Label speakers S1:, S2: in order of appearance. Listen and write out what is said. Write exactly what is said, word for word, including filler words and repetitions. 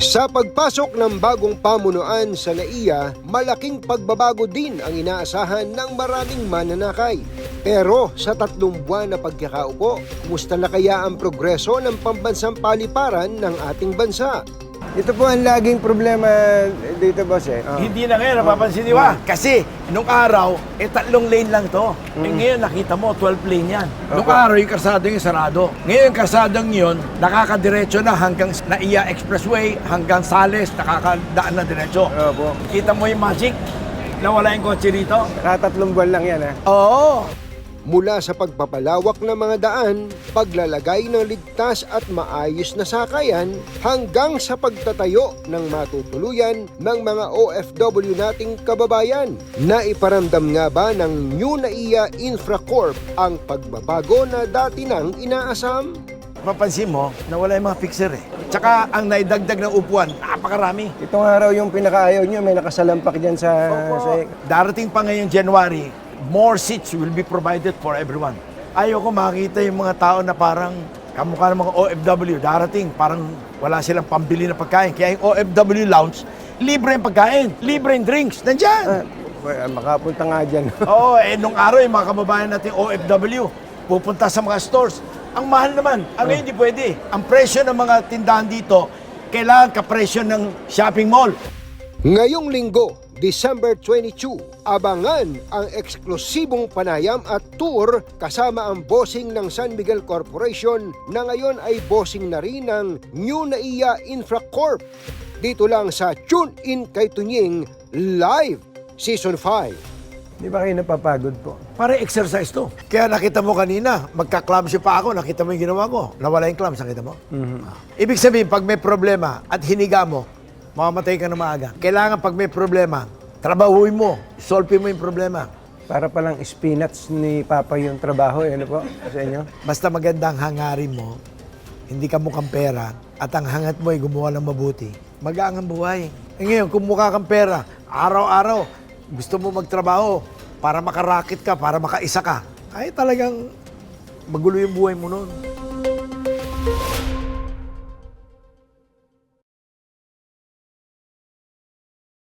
S1: Sa pagpasok ng bagong pamunuan sa N A I A, malaking pagbabago din ang inaasahan ng maraming mananakay. Pero sa tatlong buwan na pagkakaupo, kumusta na kaya ang progreso ng pambansang paliparan ng ating bansa?
S2: Ito po ang laging problema dito, boss eh. Oh.
S3: Hindi na ngayon, napapansin niyo ba? Kasi nung araw, eh tatlong lane lang to. Eh ngayon nakita mo, twelve lane yan. Nung araw, yung karsada yung sarado. Ngayon, yung karsadang yun, nakakadiretso na hanggang N A I A Expressway, hanggang Sales, nakakadaan na diretso.
S2: Opo.
S3: Kita mo yung magic? Nawala yung kotse dito?
S2: Nakatatlong buwan lang yan, ha?
S3: Oo.
S1: Mula sa pagpapalawak ng mga daan, paglalagay ng ligtas at maayos na sakayan, hanggang sa pagtatayo ng matutuluyan ng mga O F W nating kababayan. Naiparamdam nga ba ng New N A I A Infracorp ang pagbabago na dati nang inaasam?
S3: Mapansin mo, nawala yung mga fixer eh. Tsaka ang naidagdag ng upuan, napakarami.
S2: Itong araw yung pinakaayaw nyo, may nakasalampak dyan sa... sa...
S3: Darating pa ngayong January, more seats will be provided for everyone. Ayoko makita yung mga tao na parang kamukha ng mga O F W, darating, parang wala silang pambili na pagkain. Kaya yung O F W lounge, libre yung pagkain, libre yung drinks, nandyan.
S2: Ah, makapunta nga dyan.
S3: Oo, eh nung araw yung mga kababayan natin O F W, pupunta sa mga stores. Ang mahal naman, ang ngayon hindi pwede. Ang presyo ng mga tindahan dito, kailangan kapresyo ng shopping mall.
S1: Ngayong linggo, December twenty-two, abangan ang eksklusibong panayam at tour kasama ang bossing ng San Miguel Corporation na ngayon ay bossing na rin ng New N A I A Infracorp. Dito lang sa Tune In Kay Tunying Live Season five.
S2: Di ba kayo napapagod po?
S3: Para exercise to. Kaya nakita mo kanina, magka-clumsy pa ako, nakita mo yung ginawa ko. Nawala yung clumps, nakita mo? Mm-hmm. Ibig sabihin, pag may problema at hiniga mo, mamamatay ka na maaga. Kailangan pag may problema, trabahuin mo, solve mo yung problema.
S2: Para palang spinach ni Papa yung trabaho, eh, ano po, sa inyo?
S3: Basta magandang hangarin mo, hindi ka mukhang pera, at ang hangat mo ay gumawa ng mabuti, magaang ang buhay. E ngayon, kung mukha kang pera, araw-araw, gusto mo magtrabaho para makarakit ka, para makaisa ka, ay talagang magulo yung buhay mo noon.